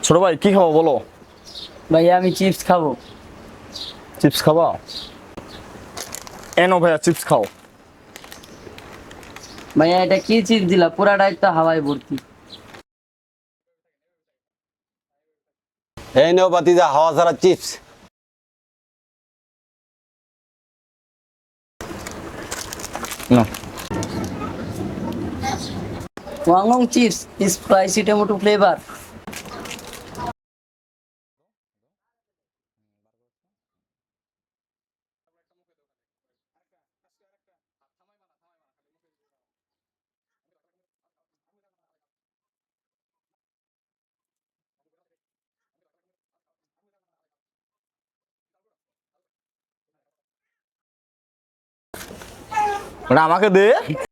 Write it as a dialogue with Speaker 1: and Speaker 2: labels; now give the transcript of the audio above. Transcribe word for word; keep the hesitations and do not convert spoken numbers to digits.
Speaker 1: ছোট ভাই কি খাবো বলো?
Speaker 2: ভাইয়া আমি চিপস খাবো।
Speaker 1: চিপস খাবা? এনো ভাইয়া চিপস খাও।
Speaker 2: ভাইয়া এটা কি চিপস দিলা, পুরাটাই তো হাওয়ায় ভর্তি।
Speaker 3: এই নেও বাতিজা হাওয়া ছাড়া চিপস।
Speaker 1: না
Speaker 2: ওয়াংলং চিপস স্পাইসি টমেটো ফ্লেভার।
Speaker 1: ওটা আমাকে দে।